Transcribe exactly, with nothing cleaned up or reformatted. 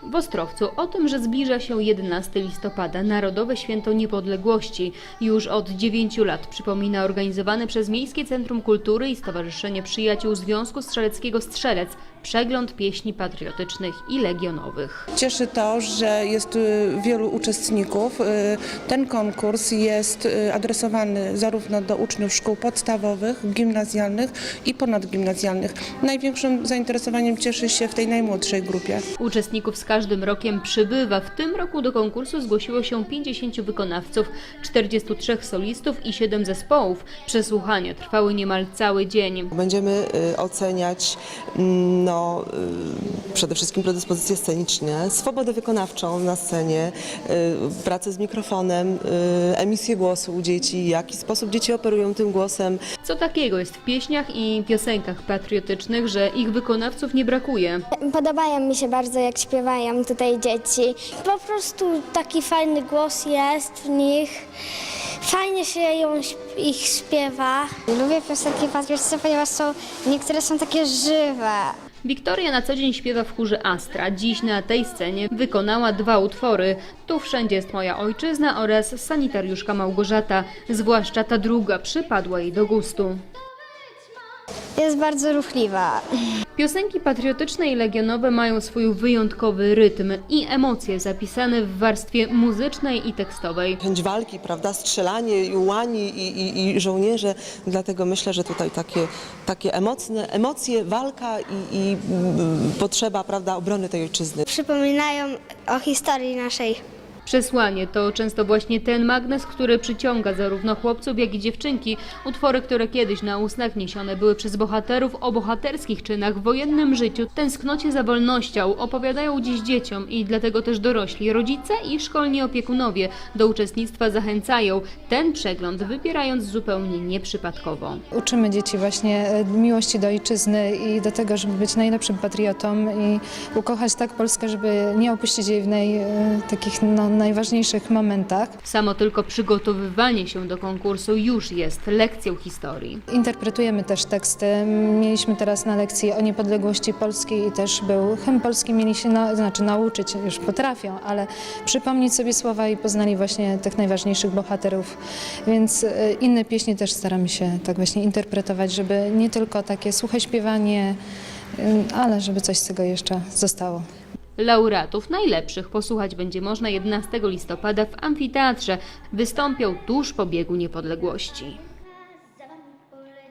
W Ostrowcu o tym, że zbliża się jedenastego listopada, Narodowe Święto Niepodległości, już od dziewięciu lat przypomina organizowany przez Miejskie Centrum Kultury i Stowarzyszenie Przyjaciół Związku Strzeleckiego Strzelec przegląd pieśni patriotycznych i legionowych. Cieszy to, że jest wielu uczestników. Ten konkurs jest adresowany zarówno do uczniów szkół podstawowych, gimnazjalnych i ponadgimnazjalnych. Największym zainteresowaniem cieszy się w tej najmłodszej grupie. Uczestników z każdym rokiem przybywa. W tym roku do konkursu zgłosiło się pięćdziesięciu wykonawców, czterdziestu trzech solistów i siedem zespołów. Przesłuchania trwały niemal cały dzień. Będziemy oceniać no, przede wszystkim predyspozycje sceniczne, swobodę wykonawczą na scenie, pracę z mikrofonem, emisję głosu u dzieci, w jaki sposób dzieci operują tym głosem. Co takiego jest w pieśniach i piosenkach patriotycznych, że ich wykonawców nie brakuje? Podobają mi się bardzo, jak śpiewają tutaj dzieci. Po prostu taki fajny głos jest w nich. Fajnie się ją, ich śpiewa. Lubię piosenki patriotyczne, ponieważ są, niektóre są takie żywe. Wiktoria na co dzień śpiewa w chórze Astra. Dziś na tej scenie wykonała dwa utwory. Tu wszędzie jest moja ojczyzna oraz Sanitariuszka Małgorzata. Zwłaszcza ta druga przypadła jej do gustu. Jest bardzo ruchliwa. Piosenki patriotyczne i legionowe mają swój wyjątkowy rytm i emocje zapisane w warstwie muzycznej i tekstowej. Chęć walki, prawda, strzelanie i ułani i, i, i żołnierze, dlatego myślę, że tutaj takie, takie emocne, emocje, walka i, i potrzeba, prawda, obrony tej ojczyzny. Przypominają o historii naszej. Przesłanie to często właśnie ten magnes, który przyciąga zarówno chłopców, jak i dziewczynki. Utwory, które kiedyś na ustach niesione były przez bohaterów o bohaterskich czynach w wojennym życiu, tęsknocie za wolnością, opowiadają dziś dzieciom i dlatego też dorośli, rodzice i szkolni opiekunowie do uczestnictwa zachęcają. Ten przegląd wybierając zupełnie nieprzypadkowo. Uczymy dzieci właśnie miłości do ojczyzny i do tego, żeby być najlepszym patriotą i ukochać tak Polskę, żeby nie opuścić jej w naj, takich no, najważniejszych momentach. Samo tylko przygotowywanie się do konkursu już jest lekcją historii. Interpretujemy też teksty. Mieliśmy teraz na lekcji o niepodległości Polski i też był hymn polski, mieli się na, znaczy nauczyć, już potrafią, ale przypomnieć sobie słowa i poznali właśnie tych najważniejszych bohaterów. Więc inne pieśni też staramy się tak właśnie interpretować, żeby nie tylko takie suche śpiewanie, ale żeby coś z tego jeszcze zostało. Laureatów najlepszych posłuchać będzie można jedenastego listopada w amfiteatrze. Wystąpią tuż po biegu niepodległości.